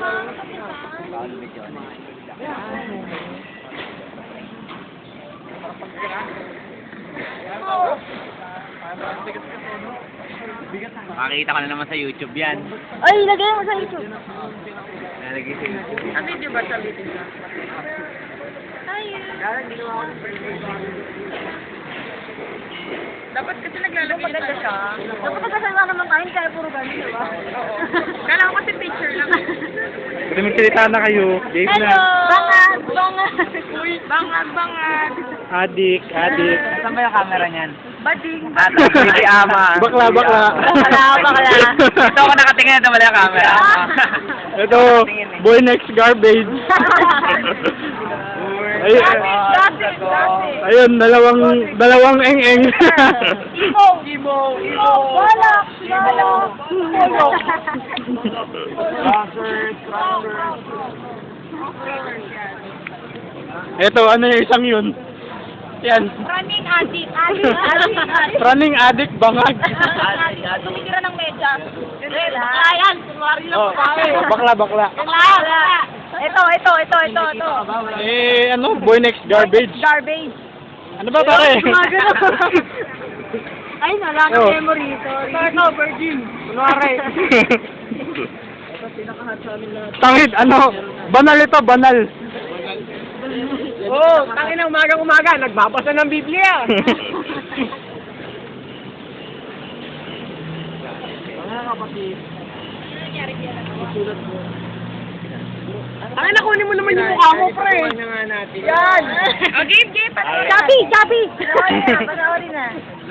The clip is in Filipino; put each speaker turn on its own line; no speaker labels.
Makikita ko na naman sa YouTube yan.
Ay, lagay mo sa YouTube.
Nalagay sa YouTube.
Ang video ba sa video? Ay.
Dapat kasi naglalagay
Maganda siya. Dapat nagkasama naman tayo, kaya puro ganun, di ba?
Oo. Kala ko kasi picture lang.
Pwede magsalita na kayo. Game
Hello!
na.
Bangag! Bangag!
Uy, bangag.
Adik.
Saan ba yung camera niyan?
Bading.
Hindi ama.
Bakla.
Bakla.
Ito ako nakatingin na wala yung camera.
Ito, boy next garbage. Ay,
Dati.
ayun, dalawang eng-eng.
Imo! Balak!
Ito, ano yung isang yun? Yan.
Running addict.
Running addict, bangag.
Tumitira ng medyas. Ayan, kunwari lang
Oh,
pa.
bakla.
Ito.
Eh, ano, boy next garbage.
Garbage.
Ano ba, pare?
Ay, nala ka
Oh.
memory. Sorry.
virgin. Kunwari. Tangid, ano, banal ito, banal.
Oh, tangin na umaga, nagbabasa ng Biblia. Tangin na kunin mo naman yung mukha mo, pre. Yan. Oh, game.
Chabi! Panoorin na.